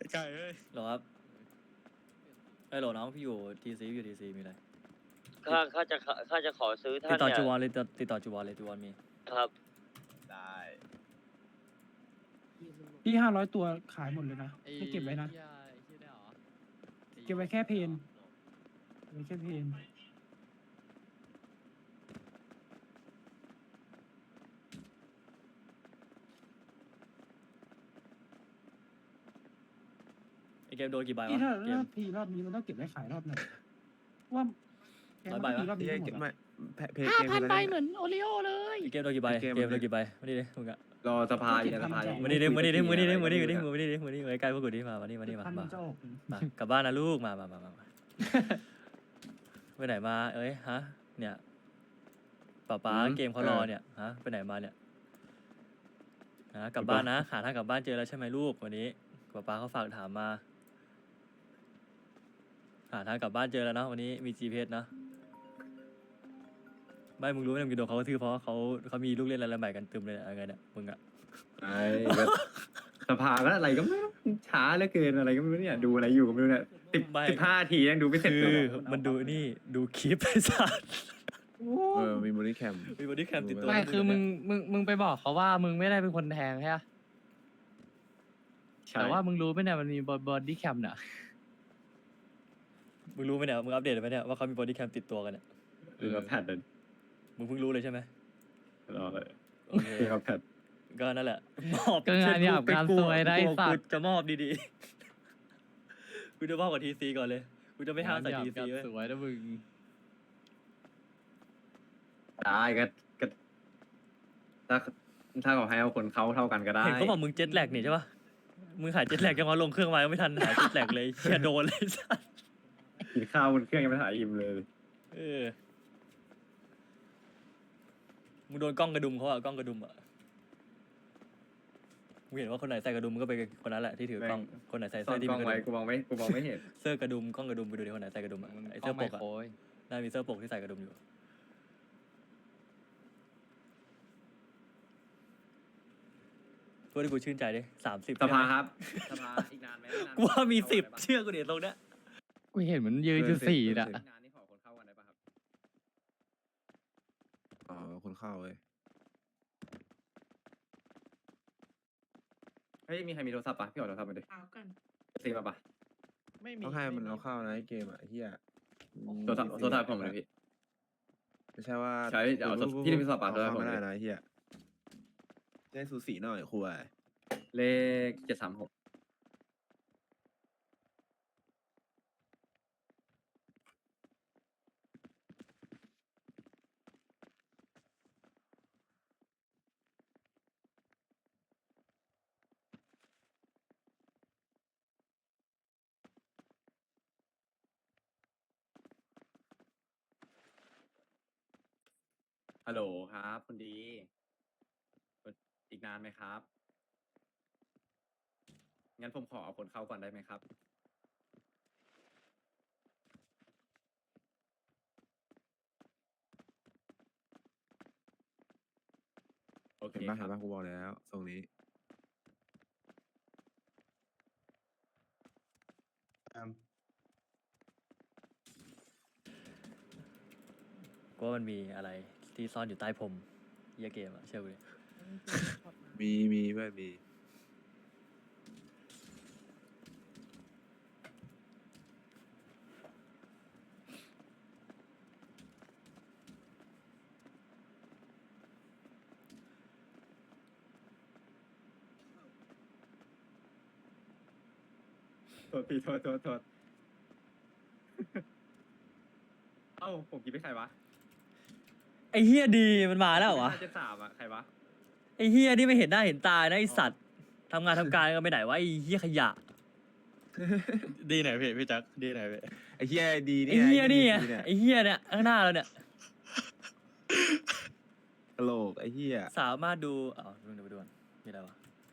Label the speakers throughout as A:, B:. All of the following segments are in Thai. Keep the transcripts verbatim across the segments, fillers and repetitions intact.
A: ไก่เอ้ย
B: หรอครับไอ้ยหรอน้องพี่อยู่ทีซีอยู่ทีซีมีอะไร
C: ข้าข้าจะข้าจะขอซื้อ
B: ติ
C: ท่า
B: ด
C: น
B: ต่อ
C: เนี่ย
B: จูวอนเลยติดติดต่อจูวอนเลยจูวอนมี
C: ครับ
A: ได้
D: พี่ห้าร้อยตัวขายหมดเลยนะไม่เก็บไว้นะ เก็บไว้แค่เพนเก็บไว้แค่เพน
B: ไอเกมโดนกี่ใบวะ
D: พี่ถ้า
B: เกม
D: ถ้าพีรอบนี้มันต้องเก็บไว้ขายรอบไหนว่าแกง
B: ร้อย
D: มัน
B: ใบ
D: ต้อง
B: วะ
D: พีรอบนี้
E: ไม่
D: ทั้งหมดอะ
E: ไม่เพเพ
F: ห้า
E: เกม
F: พัน
E: อะไร
F: ใบ
E: เนี่ย
F: เหมือนโอริโอเลย
B: ไอเกมโดนกี่ใบ
E: เกม
B: เกมโดนกี่ใบมาดิดิมึงอะ
A: รอสภาอยู่ในสภาอยู่
B: มาดิดิมาดิดิมาดิดิมาดิดิมาดิดิมาดิมาใกล้พวกกูดิมามาดิมาดิมา
D: พัน
B: มา
D: มันจะออก
B: มากลับบ้านนะลูกมามามามามาไปไหนมาเอ้ยฮะเนี่ยป๊าป๊าเกมเขารอเนี่ยฮะไปไหนมาเนี่ยฮะกลับบ้านนะหาทางกลับบ้านเจอแล้วใช่ไหมลูกวันนี้ป๊าป๊าเขาฝากถามมาหาทางกลับบ้านเจอแล้วเนาะวันนี้มี จี พี เอส เนาะไม่มึงรู้ไหมมึงจะโดนเขากระทืบเพราะเขาเขามีลูกเล่นอะไรใหม่กันตึมเลยอะไรเนี่ยมึงอะ
A: ไอ้ก็สภาก็อะไรก็ไม่รู้ช้าเหลือเกินอะไรก็ไม่รู้เนี่ยดูอะไรอยู่ก็ไม่รู้เนี่ยสิบสิบห้าทียังดูไม่เสร็จ
B: คื
A: เล
B: อย มันดูนี่ดูคลิปไอ้สัส
E: เออมีมูลนิแคม
B: มีบอดี้แคมติดตัว
F: ไม่คือมึงมึงมึงไปบอกเขาว่ามึงไม่ได้เป็นคนแทงใช่ปะ
A: ใช่
F: แต่ว่ามึงรู้ไหมเนี่ยมันมีบอดี้แคมเนี่ย
B: มึงรู้ไหมเนี่ยมึงอัปเดตไหมเนี่ยว่าเขามีบอดี้แคมติดตัวกันเนี่ย
A: ดูกับแพทเลย
B: มึงเพิ่งรู้เลยใช่ไหม
A: รอเลย
B: โอเค
A: ดูกับแพท
B: ก็นั่นแหละมอบ
F: ก็งานหยาบการซวยได้
B: กู
F: สัต
B: กู
F: ว์
B: จะมอบดีๆกูจะมอบกับทีซีก่อนเลยกูจะไม่ห้ามใส่
F: งนห
B: ที
F: ยาบ
B: ซี
F: การ
B: เว้ย
F: สวยนะมึง
A: ได้ก็ก็ถ้าถ้าเขาให้เอาคนเขาเท่ากันก็ได้
B: เห็นเขาบอกมึงเจ็ตแลกนี่ใช่ปะมึงหายเจ็ตแลกยังวะลงเครื่องมายังไม่ทันหายเจ็ตแลกเลยเชียโดนเลยสัส
A: กินข้าวบนเครื่องยังไม่ถ่ายอิ่มเลย
B: เออมึงโดนกล้องกระดุมเขาอะกล้องกระดุมอะมึงเห็นว่าคนไหนใส่กระดุมมึงก็ไปคนนั้นแหละที่ถือกล้องคนไหนใส่
A: ซ่อ
B: เสื้อน ที่
A: กล้
B: มี
A: อง
B: กระ
A: ไว้
B: ดุม
A: กูมองไม่กูมองไม่เห็น
B: เสื้อกระดุมกล้องกระดุมไปดูดิคนไหนใส่กระดุมอะไอเสื้อปกอะ
F: โอ้ย
B: น่ามีเสื้อปกที่ใส่กระดุมอยู่พูดให้กูชื่นใจดิสามสิบ
A: สภาครับสภาอีกนานไหมนน
B: กูว่ามีสิบเชื่อกูเดี๋ยวตรงเนี้ย
F: กูเห็นมันยืนอยู่สี่น่ะ
A: อีกนานนี่ขอคนเข้ากันได้ปะครับ
E: อ๋อคนเข้าเว้ย
A: เฮ้ยมีใครมีโทรศัพท์ปะพี่ขอโทรศัพท์มาดิ
D: เอากัน
A: ซีมาปะ
G: ไม่มี
E: ต้องให้มันเอาเข้านะไอ้เกมอ่ะไอ้เฮีย
A: โทรศัพท์โทรศัพท์ผมเลยพี่
E: ไม่ใช่ว่า
A: ใช้เดี๋ยวเอาโทรพี่มีโทรศัพท์ปะ
E: เอา
A: โทรศัพท์ผม
E: เข้าไม่ได้
A: เลย
E: นะไอ้เฮียจะให้สูสีหน่อยครูไอ้
A: เลขเจ็ดสามหกฮัลโหลครับคุณดีอีกนานไหมครับงั้นผมขอเอาคนเข้าก่อนได้ไหมครับโอเค
E: เห็นปะ
A: ค
E: เห็
A: รั
E: น
A: บ
E: ปะกูบอกแล้วทรงนี้
B: กูว่ามันมีอะไรที่ซ่อนอยู่ใต้ผมเหี้ยเกมอะเชื่อกูดิ
E: มีมีเพื่อนมี
A: โทษพี่โทษโทษโทษ เอ้าผมคิดไปใครวะ
B: ไอ้เฮียดีมันมาแล้วเหรอวะ
A: เจ็ดสามอะใครวะ
B: ไอ้เฮียนี่ไม่เห็นหน้าเห็นตานะไอสัตว์ทำงานทำการกันไปไหนวะไอ้เฮียขยะ
G: ดีไหนพี่พี่จักดีไหนพี่
E: ไอ้เฮียดี
B: ไอ้เฮียนี่ไง
E: ดีเนี่ย
B: ไอ้เฮียเนี่ยข้างหน้าเราเนี่ย
E: กะโหลกไอ้เฮีย
B: สามารถดูอ๋อดูเดี๋ยวไปดูก่อนมีอะไรวะ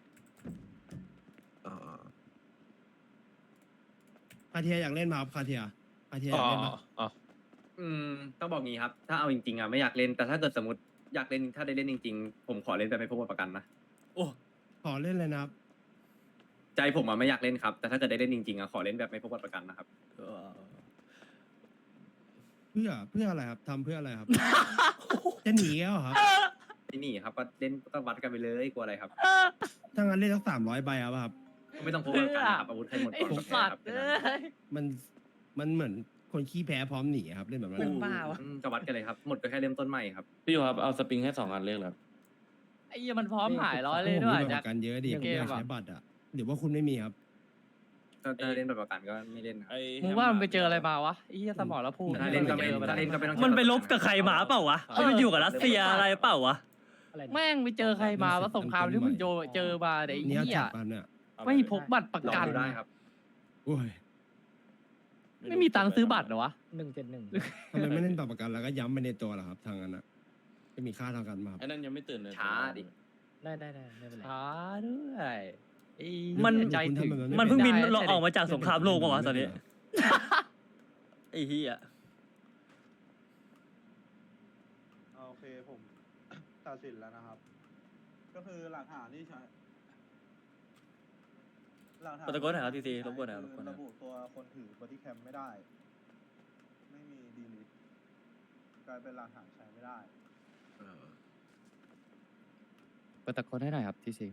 E: อ๋อ
H: คาเทียอยากเล่นมาครับคาเทียคาเทียอ
G: อ๋
H: ยา
G: อก
H: เล่นมา
G: อ๋อ
A: อืมต้องบอกงี้ครับ ถ้าเอาจริงๆอะไม่อยากเล่นแต่ถ้าเกิดสมมติอยากเล่นถ้าได้เล่นจริงๆ ผมขอเล่นแต่ไม่พบประกันนะ
B: โอ้
H: ขอเล่นเลยนะครับ
A: ใจผมอะไม่อยากเล่นครับ แต่ถ้าเกิดได้เล่นจริงๆอะขอเล่นแบบไม่พกบัตรประกันนะครับ
B: เออ
H: เพื่อเพื่ออะไรครับทำเพื่ออะไรครับ จะหนีแล้วเหรอครับ
A: ที่นี่ครับก็เล่นก็วัดกันไปเลยกลัวอะไรครับ
H: ถ้างั้นเล่นสักสามร้อยใบเอาป่ะครับ
A: ก็ไม่ต้องพกบัตรประกันนะครับอาวุธใครหมด
F: ไอ้
A: ก่อนก็แพ้
F: สัต
A: ครับ
F: ว์เอ้ย
H: มันมันเหมือนคนขี้แพ้พร้อมหนีครับเล่นแบบนั้น
F: เป็น
H: อะ
F: บ้าวะ
A: อืมก็วัดกันเลยครับหมดก็แค่เริ่มต้นใหม่ครับ
I: พี่อยู่ครับเอาสปริงให้สองอันเรียกแล้ว
F: ไอ้เหี้ยมันพร้อมหายร้อยเลย
H: ผม
F: ด้วย
H: มีบัตร
F: จาก
H: ประกันเยอะดิผม
F: เก
H: อ
F: ม
H: ยาก
F: อะ
H: ใช้บัตรอ่ะหรือว่าคุณไม่มีครับ
A: ถ้าถ้าเล่นแบบประกันก็ไม่เล่นครับ
I: ไอ้
F: มึงว่ามันไปเจออะไรมาวะไอ้เหี้ยสมองแล้วพูด
A: ถ้าเล่นก็ไม่
F: เจอไป
A: ถ้า
F: แล้ว
A: เล่นก็ไม่ต้อง
B: มันไปลบกับใครมาเปล่าวะมันไปอยู่กับรัสเซียอะไรเปล่าวะ
F: แม่งไปเจอใครมาวะสงครามที่มึงเจอเจอมาไอ้
H: เนี้ย
F: เหี้ย
H: จับมันเนี่ย
F: ไม่พกบัตรประ
A: ลอง
F: กัน
A: ดูได้ครับ
H: โอ้ย
F: ไม่มีตังค์ซื้อบัตรเหรอวะ
D: หนึ่งเจ็ดหนึ่ง
H: ทำไมไม่เล่นบัตรประกันแล้วก็ย้ำไปในตัวล่ะครับทางนั้นอ่ะจะมีค่าทางการมาครับ
I: ไอ้นั่นยังไม่ตื่นเลย
A: ช้าดิ
D: ได้ได้ได้ไม่เป็นไร
F: ช้าด้วยไอ้
B: มัน
F: ใจถึง
B: มันเพิ่งบิน
F: ไได้
B: เราออกมาจากสงครามโลกปะวะตอนนี้
H: ไม่เป็
B: ไอ้เหี้ย
J: โอเคผม ตัดสินแล้วนะครับ ก็คือหลักฐานที่ใช้หลักฐาน
B: โปรโตโกลหน่อยครับทีซีรบกวนหน่อยครับรบกวนหน่อย
J: ระบุตัวคนถือบอดี้แคมไม่ได้ ไม่มีดีลิทกลายเป็นหลักฐานใช้ไม่ได้
E: เออ
F: เปิดตะโกนให้หน่อยครับทีซี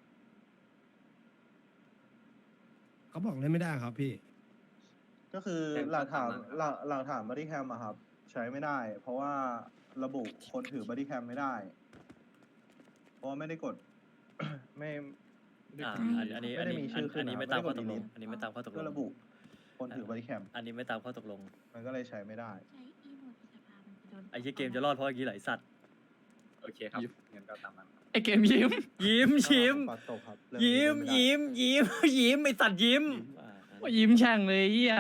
H: เขาบอกเล่นไม่ได้ครับพี่
J: ก็คือ
A: แจ้ง
J: หลักฐาน
A: ตามนั้นครับ
J: หลักหลักฐานบอดี้แคมอะครับ ใช้ไม่ได้ เพราะว่าระบุคนถือบอดี้แคมไม่ได้ เพราะว่าไม่ได้กด ไม่ไม่ได้
B: อ่าก
J: ด
B: อันอันนี้
J: ไม่
B: อัน
J: ได้
B: นี้
J: มีชื่อขึ้
B: อั
J: น
B: นนี้
J: นะ
B: ไม่
J: ไม่
B: ตาม
J: ได้
B: ข้อก
J: ด
B: ตกลง
J: delete
B: อันนี้ไม่ตามข้อตกล
J: ก็
B: ง
J: ระบุคนถือบอดี้แคม
B: อันนี้ไม่ตามข้อตกลง
J: มันก็เลยใช้ไม่ได้
B: ไอ้เหี้ยเกมจะรอดเพราะอย่างนี้ไหลสัตว์
A: โอเคครับงั้นก็ตามนั้นครับ
F: ไอ้เกมยิ้ม
B: ยิ้มยิ้ม
J: ปัดตกครับเรื่องนี้
B: ยิ้ม
J: เล่นไได้
B: ยิ้มยิ้มยิ้มไอสัตว์ยิ้ม
F: ว่ายิ้มแช่งเลยไอ้เหี้ย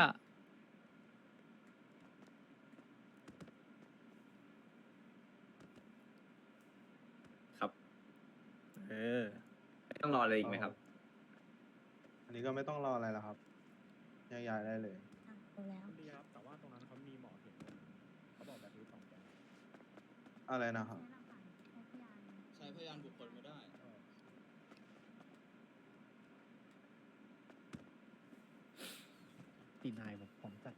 A: ครับ
B: เออ
A: ต้องรออะไรอีกไหมครับ
J: อันนี้ก็ไม่ต้องรออะไรแล้วครับแยกย้ายได้เลย
D: ดีครับแต่ว่าตรงนั้นเขามีหมอเห็นเขาบอกแบบนี้สองแกน
J: อะไรนะครับ
G: ใช้พยานบุคคลไม่ได้
D: ตีนายผมผมจัด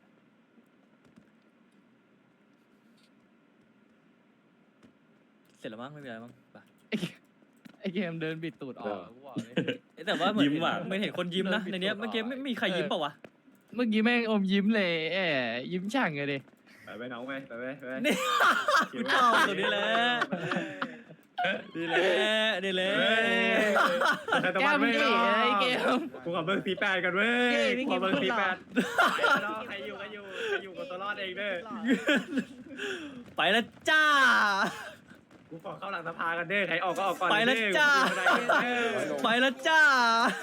B: เสร็จแล้วมั้งไม่มีอะไรมั้งไป
F: ไอ้เกมไอ้เกมเดินบิดตูดออกกูบอกเลย
B: เอ้ยแต่ว่าเหมือน
I: ยิ้มว่ะ
B: ไม่เห็นคนยิ้มนะในเนี้ยเมื่อกี้ไม่มีใครยิ้มเปล่าวะ
F: เมื่อกี้แม่งอมยิ้มเลยแอบยิ้มแช่งเลยดิ
A: ไปไปน้องไปไปไปไป
B: นี่ กูชอบตรงนี้แหละนี่แหละนี่แหละ
F: แก้มดิไอ้เกม
A: กูขอเบิร์สีแปดกันเว้ย
F: เฮ้ยพี่
A: กูขอเบิร์
F: กิ๊
A: สี
F: ฟ
A: แปดใครอยู่ก็อยู่ใครอยู่กับตัวรอดเองเด้อ
B: ไปแล้วจ้า
A: กูขอเข้าหลังสภากันเด้อใครออกก็ออกก่อน
B: ไปแล้ว
A: เด้อ
B: จ้า
A: กูไม่ได้เด้อ
B: ไปแล้วจ้า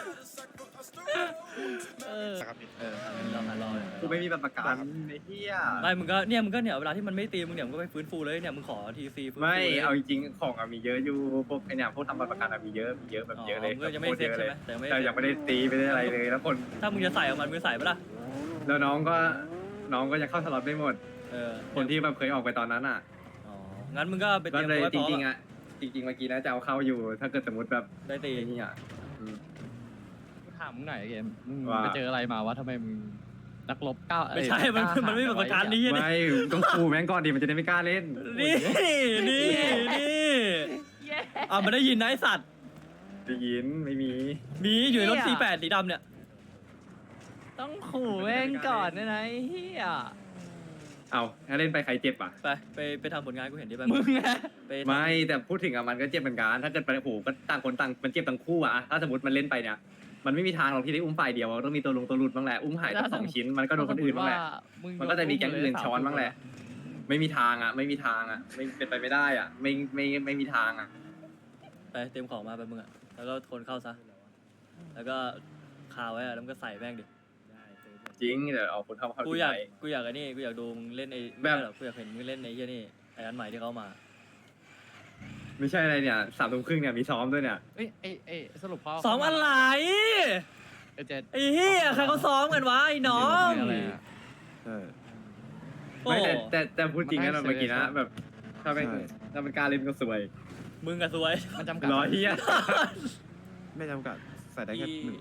F: เออ
B: เออรอรอ
A: กูไม่มีบัตรประกันไอ้เหี้ย
B: ไม่มึงก็เนี่ยมึงก็เนี่ยเวลาที่มันไม่ตีมึงเนี่ยมึงก็ไปฟื้นฟูเลยเนี่ยมึงขอทีซีฟื้นฟู
A: ไม่
B: ลย
A: เอาจริงๆของอะมีเยอะอยู่พวกไอเนี่ยพวกทำบัตรประกันอะมีเยอะมีเยอะแบบเยอะเลย
B: มึงก็ยังไม่เซ็ตใช่ไหมแต่ยังไม่
A: แต่ยังไม่ได้ตีไม่ได้อะไรเลยแล้วคน
B: ถ้ามึงจะใส่ออกมันมึงใส่ปะล่ะ
A: แล้วน้องก็น้องก็ยังเข้าสล็อตไม่หมด
B: เออ
A: คนที่แบบเคยออกไปตอนนั้นอ่ะ
B: อ๋องั้นมึงก็ไปเต
A: ก็
B: รียม
A: เลย
B: ตัวไว้
A: จ
B: พร้อม
A: ริงๆ
B: อะ
A: อ่ะจริงๆเมื่อกี้นะจะเอาเข้าอยู่ ถ้าเกิดสมมติแบบ
B: ได้ตี
A: ไอ้นี่อ่ะอืม
F: กูถามมึงหน่อยไอ้เกมมึง
A: ว่า
F: ไปเจออะไรมาวะทำไมมึงนักรบก้าว
B: ไม่ใช่ มันมันไม่เป็นประการนี้นี่
A: ไม่ต้องคูแม่งก่อนดิมันจะได้ไม่กล้าเล่น
B: นี่นี่นี่อ่ะมันได้ยินนะไอสัตว์
A: ได้ยินไม่มี
B: มีอยู่ในรถสี่แปดสีดำเนี่ย
F: ต้องขู่แม่งก่อนนะนะไอ้เฮีย
A: เอาถ้าเล่นไปใครเจ็บอ่ะ
B: ไปไปไปทำผลงานกูเห็นดิไป
F: มึงไง
B: ไปทำ
A: ไม่แต่พูดถึงอ่ะมันก็เจ็บเหมือนกันถ้าเกิดไปโอ้โหก็ต่างคนต่างมันเจ็บทั้งคู่อ่ะถ้าสมมติมันเล่นไปเนี่ยมันไม่มีทางหรอกที่ได้อุ้มฝ่ายเดียวต้องมีตัวลงตัวหลุดบ้างแหละอุ้มหายตั้งสองชิ้นมันก็โดนคนอื่นบ้างแหละ มันก็จะมีแก๊งอื่นช้อนบ้างแหละ ไม่มีทางอ่ะ ไม่มีทางอ่ะ ไม่เป็นไปไม่ได้อ่ะ ไม่ไม่ไม่มีทางอ่ะ
B: ไปเตรียมของมาไปมึงอ่ะแล้วก็คนเข้าซะแล้วก็คาไว้อะแล้วมึงก็ใส่แม่งดิ
A: จริงเดี๋ยวเอาคนเข้าเข้า
B: กู
A: ที
B: อยาก
A: ไป
B: กูอยากไอ้นี่กูอยากดูมึงเล่นไอ้
A: แบบ
B: ไม่ใช่หรอกกูอยากเห็นมึงเล่นในเฮียนี่ไอ้อันใหม่ที่เขามา
A: ไม่ใช่อะไรเนี่ยสามทุ่มครึ่งเนี่ยมีซ้อมด้วยเนี่ย
F: เอ้ยเอ้ยเอ้ยสรุปเขา
B: ซ้อมอะไร
F: เอ้ยเจ็ด
B: ไอ้เฮียใครเขาซ้อมกันวะไอ้น้อง
F: อะไรอะ
E: ใช่
B: โอ้
A: ไม่แต่แต่แต่พูดจริงนะ
F: มัน
A: เมื่อกี้นะ
F: ให้เซอร์
A: แบบถ้าเป็น
E: ใช่
A: ถ้าเป็นการเล่นก็สวย
B: มึงอะสวย
F: มันจำกัด
A: ร้อยเฮีย
E: ไม่จำกัดใส่ได้แค่หนึ่งคน
I: ไอ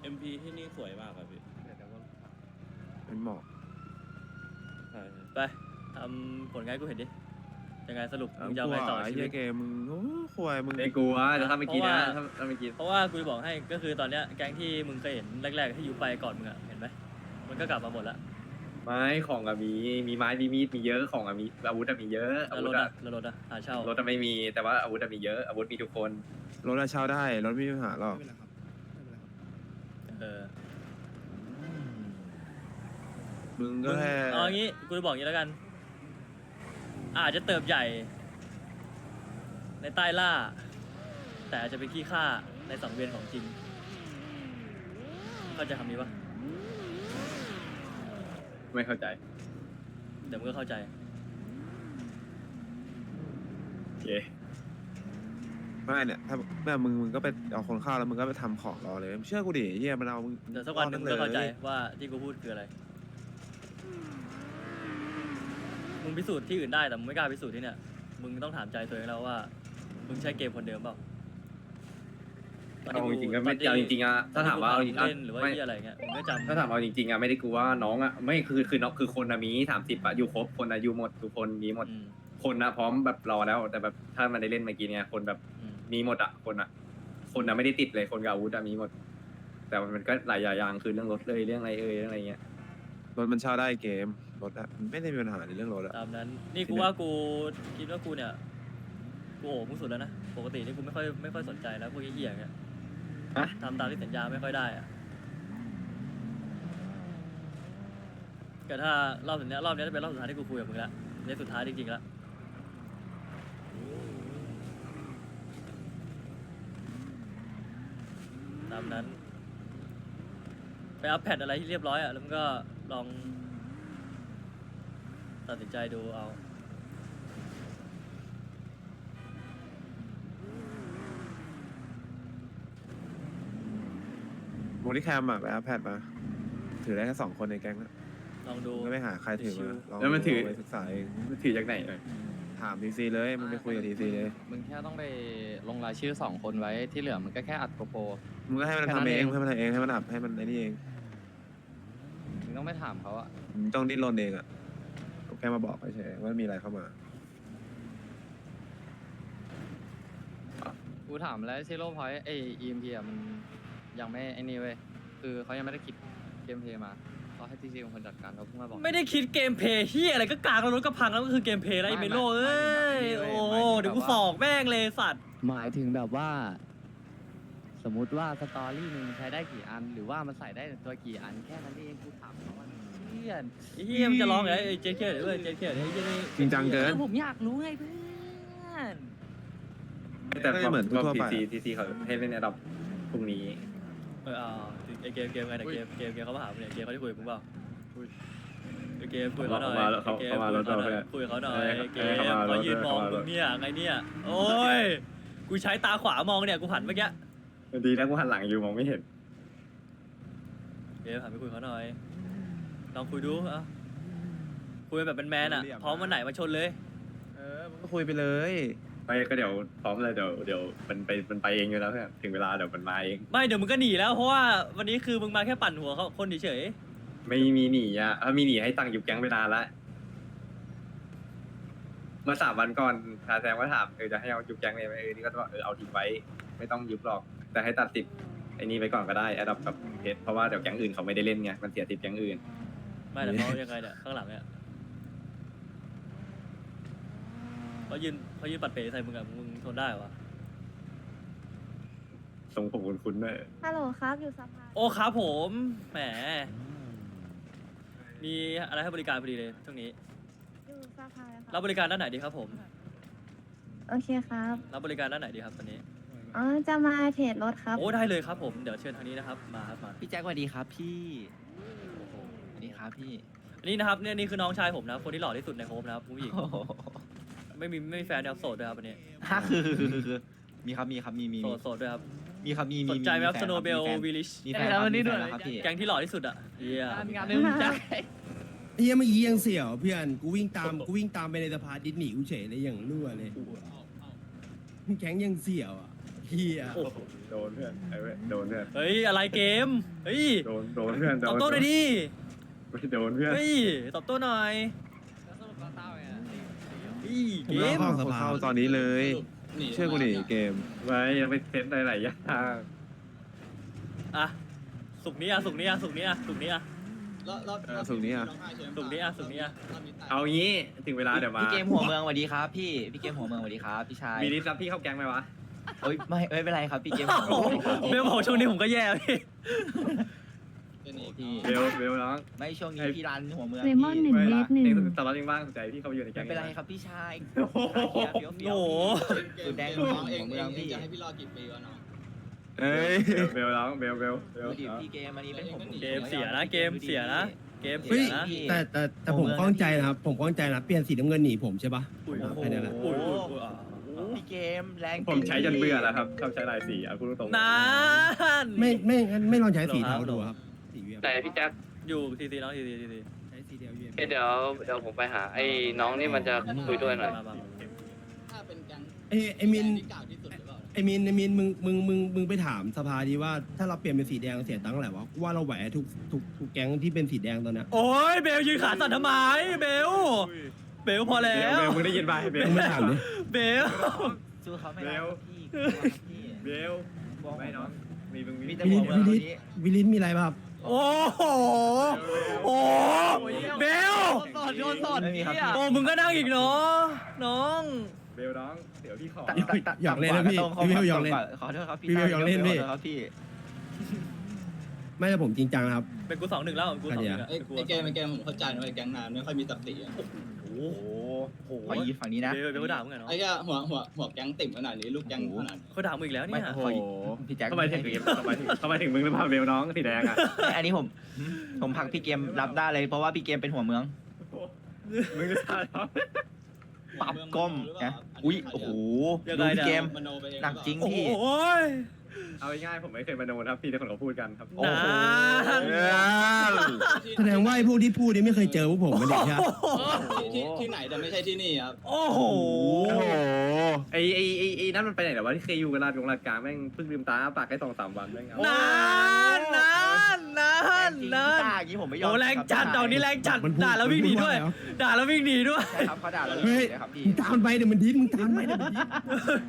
I: เอ็มพีที่นี่สวยมากครับพี่
E: เป็นหมอก
I: ใช่ใช่
B: ไปทำผลงานให้กูเห็นดิยังไงสรุป
E: เอา
B: มึงจะ
E: ก
B: เอา
E: ลัว
B: ไงต่อ
E: ไอ้
B: ชี
E: เหี้
B: วิ
E: ย
B: ต
E: เกมมึงโอ้ควยมึง
A: ไม่กลัวแต่ถ้าเมื่อกี้นะ
B: เพราะว่า
A: ถ้าถ้าเมื่อกี้
B: เพราะว่ากูจะบอกให้ก็คือตอนเนี้ยแก๊งที่มึงเคยเห็นแรกๆที่อยู่ไปก่อนมึงอะเห็นไหมมันก็กลับมาหมดละ
A: ไม้ของอะมีมีไม้มีมีดมีเยอะของอะมีอาวุธอะมีเยอะอา
B: แล้ว
A: วุ
B: ร
A: ธ
B: ถ
A: อะ
B: อะแล้วรถอะหาเช่าร
A: ถอะไม่มีแต่ว่าอาวุธอะมีเยอะอาวุธมีทุกคน
E: รถอะเช่าได้รถไม่มีปัญหาหรอก
H: ไม่เป็นไรครับไม่เป็นไรครับ
B: เออ
E: มึง
B: มึ
E: ก็
B: ง
E: แค่
B: เอาอย่างงี้กูจะบอกอย่างงี้แล้วกัน อาจจะเติบใหญ่ ในใต้ล่า แต่อาจจะเป็นขี้ข้าในสังเวียนของจริงเข้าใจคำนี้ปะ
A: ไม่เข้าใจ
B: เดี๋ยวมึงก็เข้าใจ
A: โอเค
E: ไม่เนี่ยถ้าแม่มึงมึงก็ไปเอาคนเข้าแล้วมึงก็ไปทำของรอเลยเชื่อกูดิเฮียมันเอามึง
B: เดี๋ยวสักวันหนึ่งมึงก็เข้าใจว่าที่กูพูดคืออะไร มึงพิสูจน์ที่อื่นได้แต่มึงไม่กล้าพิสูจน์ที่เนี่ย มึงต้องถามใจตัวเองแล้วว่า มึงใช้เกมคนเดิมเปล่า
A: เอาจริงๆก็ไม่เอาจริงๆอะถ้าถามว่าเอาจริงๆอะ
B: เล่นหรือว่า
A: ไม่
B: ที่อะไรเงี้ยมึงก็จำ
A: ถ้าถามเอาจริงๆอะไม่ได้กลัวว่าน้องอะไม่คือคือน้องคือคนอะมีสามสิบอะอยู่ครบคนอะอยู่หมดทุกคนมีหมด
B: อืม
A: คนอะพร้อมแบบรอแล้ว แต่แบบถ้ามันได้เล่นเมื่อกี้เนี่ยคนแบบ
B: อืม
A: มีหมดอะคนอะคนอะไม่ได้ติดเลยคนกับอาวุธอะมีหมด แต่มันก็หลายอย่างคือเรื่องรถเลยเรื่องอะไรเอ่ยเรื่องอะไรเงี้ย
E: รถมันเช่าได้เกมรถอะมันไม่ได้มีปัญหาในเรื่องรถอะ
B: ตามนั้น นี่กูว่ากูคิดว่ากูเนี่ย กูโอ้มึงสุดแล้วนะ ปกตินี่กูไม่ค่อยไม่ค่อยสนใจแล้วพวกเหี้ยๆอย่างเงี้ย
A: ฮะ
B: ทำตามที่สัญญาไม่ค่อยได้อะแต่ถ้ารอบสุดเนี้ยรอบเนี้ยจะเป็นรอบสุดท้ายที่กูคุยกับมึงละเนี่ยสุดท้ายจริงๆละตามนั้น ไปอัพแพดอะไรที่เรียบร้อยอ่ะ แล้วมันก็ลองตัดสินใจดูเอา
E: โมดิแคมอะไปอัพแพดมา ถือได้แค่สองคนในแก๊งนะ
B: ลองดู
E: มึงก็ไม่หาใครถือ
B: ชิ
E: มาว ลอง
A: แล้วมันถือ
E: ไปศึกษาเอง
A: มันถือจากไหนเลย
E: ถามทีซีเลยมึงไปคุยกับทีซีเลย
F: มึงแค่ต้องไปลงรายชื่อสองคนไว้ที่เหลือมันก็แค่อัดโกโปร
E: มึงก็ให้มัน
F: แค่นั้
E: ทำ
F: น
E: เอง
F: เอง
E: ให้มันทำเองให้มันอับให้มันไอ้นี่เอง
F: มึงต้องไม่ถามเขาอะ
E: มึงต้องดิ้นรนเองอะแค่มาบอกเฉยๆว่ามีอะไรเข้ามา
F: กูถามแล้วซีโร่พอยต์ไอเอ็มพีอะมันยังไม่ไอ้นี่เว้ยคือเขายังไม่ได้คิดเกมเพลย์มาเขาให้ทีซีเป็นคนจัดการเขาเพิ่งมาบอก
B: ไม่ได้คิดเกมเพลย์เฮียอะไรก็กลางแล้วรถก็พังแล้วก็คือเกมเพลย์แล้วไอ้เมโลเอ้ย โอ้โหเดี๋ยวกูสอกแม่งเลยสัตว์
F: หมายถึงแบบว่า สมมุติว่าสตอรี่หนึ่งใช้ได้กี่อัน หรือว่ามันใส่ได้ตัวกี่อันแค่นั้นเองกูถามเขาว่าเพื่อน
B: ไอ้เฮียมันจะร้องไงไอ้เจ๊เขียดด้วยเจ๊เขียดไอ้เจ๊นี่
E: จริงจังเกิน
F: ผมอยากรู้ไงเพื่อน
A: แต่
E: ไม่เหมือนทั่ว
A: ที
E: ไป
A: ซีทีซีเขาให้เล่นในระดับพรุ่งนี้
B: เออเอาไอ้เกมเกมไงเนี่ยเกมเกมเกมเขามาหามึงเนี่ยเกมเขาได้คุยกับมึงเปล่าไอ้เกมคุยกับเขาหน่อย
A: เขามาแล้วเขา
B: ไอ้เกม
A: เขามาแล้ว
B: คุยกับเขาหน่อย
A: เออ
B: คุยกับเขาหน่อยไอ้เก
A: เออ
B: ม
A: เขามาแล้ว
B: เขายืนมอง
A: เขามาแล้ว
B: มึงเนี่ยไงเนี่ยโอ้ยกูใช้ตาขวามองเนี่ยกูหันเมื่อกี้
A: ดีนะกูหันหลังอยู่มองไม่เห็น
B: เกมหันไปคุยกับเขาหน่อยลองคุยดูเอ่ะคุยแบบเป็นแมนอ่ะพร้อมวันไหนมาชนเลย
E: เออมึงก็คุยไปเลย
A: ไปก็เดี๋ยวพร้อมเลยเดี๋ยวเดี๋ยวมันไปมันไปเองอยู่แล้วเพื่อนถึงเวลาเดี๋ยวมันมาเอง
B: ไม่เดี๋ยวมึงก็หนีแล้วเพราะว่าวันนี้คือมึงมาแค่ปั่นหัวเขาคนเฉย
A: ไม่มีหนีอ่ะถ้ามีหนีให้ตั้งอยู่แก๊งไปนานละเมื่อสามวันก่อนทาแซมก็ถามเออจะให้เอายุบแก๊งเลยไหมเออนี่ก็บอกเออเอาทิ้งไว้ ไม่ต้องยุบหรอก แต่ให้ตัดสิบไอ้นี่ไปก่อนก็ได้แอดดับกับเพจเพราะว่าเดี๋ยวแก๊งอื่นเขาไม่ได้เล่นไงมันเสียติดแก๊งอื่น
B: ๆไม่แต่เขายังไงเนี่ยข้างหลังเนี่ยเขายืนเขายืนปัดเป๋ใส่มึงอะมึงทนได้เหรอวะ
A: ทรงผมคุ้นๆด้วย
K: ฮัลโหลครับ อยู่สภา
B: โอ้ครับผมแหมมีอะไรให้บริการพอดีเลยช่วงนี้
K: อยู่สภาแล้วค
B: รั
K: รั
B: บบริการด้านไหนดีครับผม
K: โอเคครับ
B: รับบริการด้านไหนดีครับตอนนี้
K: อ๋อ จะมาเทรดรถครับ
B: โอ้ได้เลยครับผมเดี๋ยวเชิญทางนี้นะครับมาครับมา
F: พี่แจ็คสวัสดีครับพี่สวัสดีครับพี่
B: อันนี้นะครับเนี่ยนี่คือน้องชายผมนะครับคนที่หล่อที่สุดในโฮมนะครับผู้หญิงไม่มีไม่มีแฟนนะครับโสดด้วยครับอันนี้
F: ฮะคือคือคือคือมีครับมีครับมีมี
B: โสดโสดด้วยครับ
F: มีครับมี
B: ส
F: มี
B: นใจไหมครับ
F: แฟ
B: สโนเบล
F: มีแฟน
B: วิลิช
F: มีแฟนครับมีแฟนแล้วครับพี่
B: แก๊งที่หล่อที่สุดอ่ะเฮีย
F: งานนึงแจ็ค
H: เฮียเมื่อกี้ยังเสี่ยวเพื่อนกูวิ่งตามกูวิ่งตามไปในสภาดิสหนีกูเฉยเลยอย่างรั่วเลยแข็งยังเสี่ยวอ่ะเฮีย
B: โอ้โห
A: โดนเพื่อนไอ้เว้ยโดนเพื่อน
B: เฮ้ยอะไรเกมเฮ้ย
A: โดนโดนเพื่อนโด
B: ตอบ
A: น
B: โต้หน่อยดิ
A: โดนเพื่อน
B: เฮ้ยตอบโต้หน่อยเฮ้ย
H: ผ
B: เก
H: มรอ
B: ม
H: เข้าส
E: คน
H: ภา
E: เข้าตอนนี้เลย เชื่อกูดิเกม
A: ไว้ยังไปเซตหลายๆอย่าง
B: อ่ะสุกนี้อ่ะสุกนี้อ่ะสุกนี้อ่ะสุกนี้อ่ะ
E: เออสุกร์นี้อ่ะ
B: สุกนี้อ่ะสุกนี้อ่ะ
A: เอางี้ถึงเวลาเดี๋ยวมา
F: พี่เกมหัวเมืองสวัสดีครับพี่พี่เกมหัวเมืองสวัสดีครับพี่ชาย
A: มีลิสต์รับพี่เข้าแก๊งไหมวะ
F: เอ้ยไม่ไม่เป็นไรครับพี่เกมหัวเมืองสวัสดีครับ
B: เบลบอกช่วงนี้ผมก็แย่พี่
F: พี่
A: เบลเบลน้อง
F: ไม่ช่วงนี้พี่รันหัวเมือง
K: เลมอนหนึ่ง
A: ไม่
K: เม
A: ละ
K: ตรหนึ่ง
A: เองตลอดยังบ้างสนใจพี่เข้าไปอยู่ในแก๊
F: ไม่
A: ง
F: เป็นไรครับพี่ชาย
B: โอ้โห
F: โอ้สุดแดงหัวเมืองพี่
E: เอ้ย
A: เบลน้องเบลเบลเบล
F: ดูดิพี่เกมอันนี้เป็นผม
B: เกมเสียนะเกมเสียนะเกม
H: เฮ้
B: เสี
H: ย
B: ยนะ
H: แต่แต่แต่ผมข้องใจนะครับผมข้องใจนะเปลี่ยนสีน้ำเงินหนีผมใช่ปะ
B: อุ้ย
H: แค่นี้แหละ
B: อุ้ยอุ้ยอุ้ยอ่ะ
F: พี่เกมแรง
A: ผมใช้จนเบื่อแล้วครับชอบใช้ลายสีอ่ะพูดตรงๆ
B: นาน
H: ไม่ไม่งั้นไม่ลองใช้สีเทาดูครับสีเวีย
C: แต่พี่แจ็ค
B: อยู่ทีซีน้องทีซีทีซี
H: ใช้สีเดียวเวีย
C: เดี๋ยวเดี๋ยวผมไปหาไอ้น้องนี่มันจะคุยด้วยหน่อย
B: มามามา
H: ไอ้ไอ้มินไอ้มินไอ้มินมึงมึงมึงมึงไปถามสภาดีว่าถ้าเราเปลี่ยนเป็นสีแดงเสียตังค์เท่าไหร่วะว่าเราแหวทุกทุกทุกแก๊งที่เป็นสีแดงตอนเนี้ย
B: โอ้ยเบลยืนขาสั่นทำไมเบลเบลพอ
A: เบ
B: แล้
A: ล
B: ว
A: เบลมึงได้ยินป่ะเบล
H: มึงไม่ถามดิ
B: เบล
F: สู้เขาไม่ได้พี่
A: เบลไม่น้องมีมึงมี
F: มีแต่
H: วิ
F: หั
H: ลิ
F: ว
H: ส
F: เมือง
H: วิ
F: คน
H: ลิส
F: นี้
H: วิลิสมีอะไรป่ะครับ
B: โอ้โหโอ้เบล
F: สดโดนสดไม่มีครับ
B: โอ้มึงก็นั่งอีกเนาะน้อง
A: เบลน้องเดี๋ยวพี่ขอ
H: หยอกเล่นนะพี่พี่เบลหยอกเล่น
F: ขอโทษครับพี่
H: พี่เบลหยอกเล่นพี่
F: ขอโทษครับพี่
H: ไม่แต่ผมจริงจังนะครับ
B: เป็นกูสองหนึ่งแล้วกูสองหนึ่งอะ
L: ไอ้ไอ้เกมไอ้เกมผมเข้าใจนะไอ้แก๊งนานไม่ค่อยมีตักติอ่ะ
B: โอ้โห
F: ขอยีฝั่งนี้นะ
B: เบลเบลก็ด่ามึงไงเนาะ
L: ไอ้แค่หัวหัวหัวแก๊งติ่มขนาดนี้ลูกแก๊งขนาดนี้
B: เขาด่ามึงอีกแล้วเนี่ย
E: โอ้โห
F: พี่แจ็ค
A: ทำไมถึงทำไมถึงทำไมถึงมึงหรือเปล่าเบลน้องสีแดงอ่ะ
F: อันนี้ผมผมผลักพี่เกมรับได้เลยเพราะว่าพี่เกมเป็นหัวเมือง
A: มึงจะทำ
F: ปรับก้มนะอุ้ยโอ้โหดูพี่เกม
L: มโนไปเอง
F: หนักจริง
B: โอ้
F: พี่
B: โห
A: เอาง่ายๆผมไม่เคยมาโดนครับพี่แต่คนเขาพูดกันครับ
F: โอ้โห
H: แสดงว่าไอ้พวกที่พูดนี่ไม่เคยเจอพวกผมมาเด็กใช่ไหม
L: ที่ที่ไหนแต่ไม่ใช่ที่นี่ครับ
B: โอ้โห
E: โอ้โห
A: ไอ้ไอ้ไอ้ไอ้นั่นมันไปไหนแต่ว่าที่เคยอยู่กันลาดกงลาดกลางแม่งเพิ่งลืมตาปากแค่สองสามวันแม่งเอา
B: นานนานนานนาน
F: ด่าอย่างนี้ผมไม่ยอม
B: โอ้แรงจัดดอกนี้แรงจัด
H: มันพู
B: ด่าแล้ววิ่งหนีด้วย
H: มันพู
B: ด่าแล้ววิ่งหนีด้วย
F: ใช่ครับเขาด่าเราเล
H: เฮ้ย
F: ยครับพี่
H: มึงตามไปเดี๋ยวมันดิ้นมึงตามไปเดี๋ยวมันดิ้น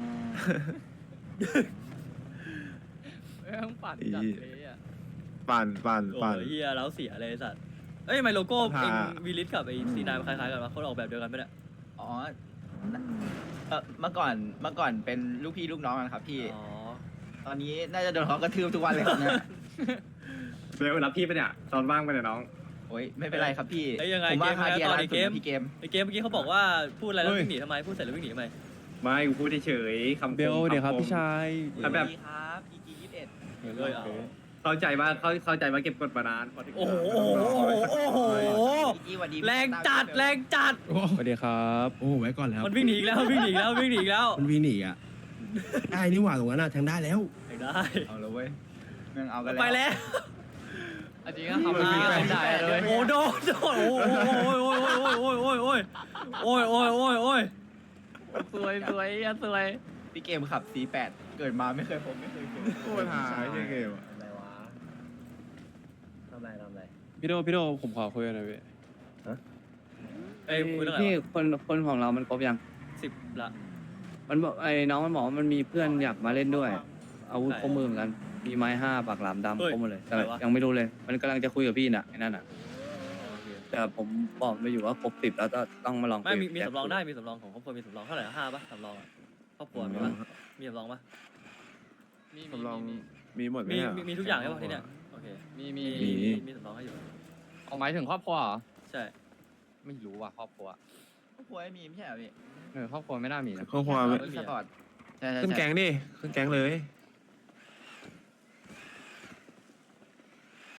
E: ปั่นปั่นปั่น
B: โอ้
E: ปั่น
B: ยเฮียแล้วเสียเลยไอ้สัตว์เอ้ยทำไมโลโก้
E: ฮ่า
B: เองวีลิสกับไอ้ซีนายมันคล้ายๆกันวะเขาออกแบบเดียวกันไหมเนี่ย
F: อ๋อเออเมื่อก่อนเมื่อก่อนเป็นลูกพี่ลูกน้องกันครับพี่
B: อ๋อ
F: ตอนนี้น่าจะโดนเขากระทืบทุกวันเลยครับเนี่ย
A: เบลรับพี่ปะเนี่ยตอนว่างไปะเนี่ยน้อง
F: โอ้ยไม่เป็นไรครับพี่
B: เอ้ยยังไง
F: ผม
B: เก
F: ว่าม คา
B: ยัง
F: เดี
B: ไง
F: ย
B: ตอน
F: ร้าน
B: ใน
F: สุ
B: เก
F: ด
B: ม
F: พี่เกม
B: ไอ้เกมเมื่อกี้เขาบอกว่าพูดอะไรแล้ววิ่งหนีทำไมพูดเสร็จแล้ววิ่งหนีทำไม
A: ไม่กูพูดเฉยๆคำคม
I: เบลเดี๋ยวครับ
A: ำม
I: พี่ชาย
A: ครับแบบ
F: ดีครับ อี จี ยี่สิบเอ็ด
B: เอ้ยเอา
A: เข้าใจว่าเข้าเข้าใจว่าเก็บกดมานานพอถึง
B: โอ้โหโอ้โหโอ้โห
F: อีจีวันดี
B: แรงจัดแรงจัด
H: โอ้
I: สวัสดีครับ
H: โอ้ไว้ก่อนแล้ว
B: มันวิ่งหนีอีกแล้ววิ่งหนีอีกแล้ววิ่งหนีอีกแล้ว
H: มันวิ่งหนีอ่ะได้นี่หว่าตรงนั้นอ่ะทางได้แล้ว
B: ได้
F: เอาเลยเว้ยแม่งเอากัน
B: ไป
F: แล้ว
B: แล้ว
F: จริงก็ทำได้ได้เลย
B: โอ้โดนโดนโอ้โอ้ยโอ้ยโอ้ยโอ้ยโอ้ยโอ้ยโอ้ยโอ้ยโอ้ยโอ้ย
F: สวยสวยอ่ะสวยพี่เกมขับ ซี แปด เกิดมาไม่เคยผมไม่เคยเจอ
E: โคตรหายเกมอะ
F: อะไรวะทำไรทำไร
I: พี่โดพี่โดผมขอคุยกันหน่อยพี่
B: เอ้ยคุยเรื่องอะไร
L: พี่
B: วะ
L: คนคนของเรามันครบยัง
B: สิบละ
L: มันบอกไอ้น้องมันบอกว่ามันมีเพื่อนอยากมาเล่นด้วย อาวุธครบมือเหมือนกันมีไม้ห้าปากหลามดำครบหมดเลยแต่ยังไม่รู้เลย มันกำลังจะคุยกับพี่น่ะไอ้นั่นน่ะแต่ผมบอกไปอยู่ว่าครบสิบแล้วก็ต้องมาลอง
B: ไม่มี
L: คุย
B: มี
L: กับ
B: สำรองได้มีสำรองของครอบครัวมีสำรองเท่าไหร่ห้าป่ะสำรองอะครอบครัวมีป่ะมีสำรองป่ะ
E: สำรองมีหมดไหม
B: มี
E: อะ
B: มีมีทุกอย่างใช่ป่ะที่เนี่ยโอเค
L: มีมี
B: มีมีสำรองให้อยู่
L: เอาหมายถึงครอบครัวเหรอ
B: ใช่
L: ไม่รู้ว่ะครอบครัว
F: ครอบครัวไม่มีไม่ใช่เหรอพี่
L: เออครอบครัวไม่น่ามีนะ
E: ข้อความ
F: สปอร์ตใช่ใช่
E: ขึ้น
F: ใช่
E: แก๊งดิขึ้นแก๊งเลย